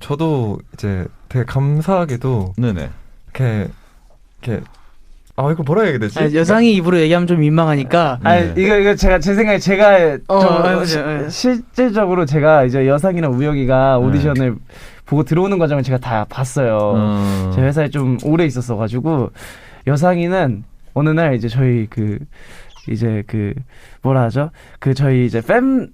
저도 이제 되게 감사하게도 네네. 이렇게 이거 뭐라 해야 되지? 여상이 입으로 얘기하면 좀 민망하니까. 네. 이거 제 생각에 제가 맞아요. 실질적으로 제가 이제 여상이랑 우혁이가 오디션을 보고 들어오는 과정을 제가 다 봤어요. 제 회사에 좀 오래 있었어가지고 여상이는 어느 날 이제 저희 뭐라 하죠? 저희 이제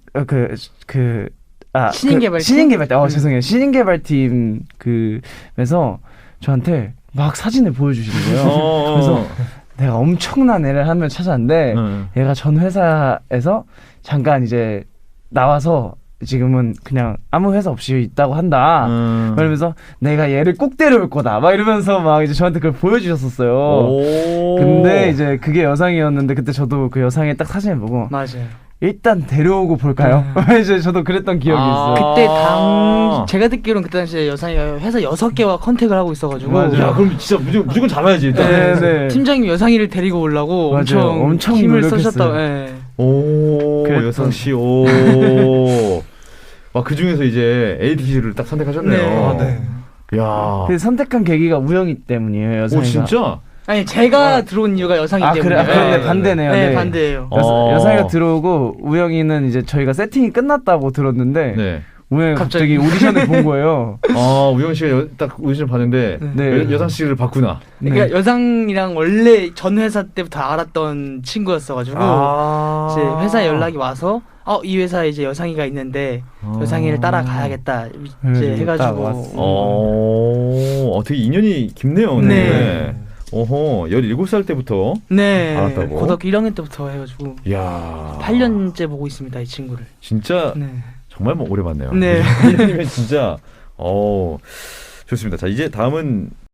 신인개발팀? 신인개발팀. 죄송해요. 신인개발팀 그에서 저한테 막 사진을 보여주시는 거예요. 그래서 내가 엄청난 애를 한 명 찾았는데 얘가 전 회사에서 잠깐 이제 나와서 지금은 그냥 아무 회사 없이 있다고 한다. 그러면서 내가 얘를 꼭 데려올 거다. 막 이러면서 막 이제 저한테 그걸 보여주셨었어요. 근데 이제 그게 여상이었는데 그때 저도 그 여상의 딱 사진을 보고 맞아요. 일단 데려오고 볼까요? 이제 저도 그랬던 기억이 있어요. 그때 제가 듣기로는 그때 당시에 여상이가 회사 6개와 컨택을 하고 있어서가지고. 맞아요. 야, 그럼 진짜 무조건 잡아야지 일단. 네. 팀장님 여상이를 데리고 오려고 엄청 힘을 쓰셨다고. 오, 여상 씨. 오. 그 중에서 이제 AD를 딱 선택하셨네요. 네. 야. 그 선택한 계기가 우영이 때문이에요. 여상이가. 오, 진짜? 아니 제가 들어온 이유가 여상이 때문에. 그런데 반대네요. 네, 반대예요. 여상이가 들어오고 우영이는 이제 저희가 세팅이 끝났다고 들었는데 네. 우영이가 갑자기 오디션을 본 거예요. 우영 씨가 딱 오디션을 봤는데 네. 여상 씨를 봤구나. 그러니까 여상이랑 원래 전 회사 때부터 알았던 친구였어가지고 이제 회사 연락이 와서 이 회사에 이제 여상이가 있는데 여상이를 따라가야겠다 이제 해가지고. 되게 인연이 깊네요. 네. 어허, 17살 때부터 알았다고? 고등학교 1학년 때부터 해가지고 야 8년째 보고 있습니다, 이 친구를. 진짜 네. 정말 오래 봤네요. 네. 1년이면 진짜 좋습니다. 자, 이제 다음은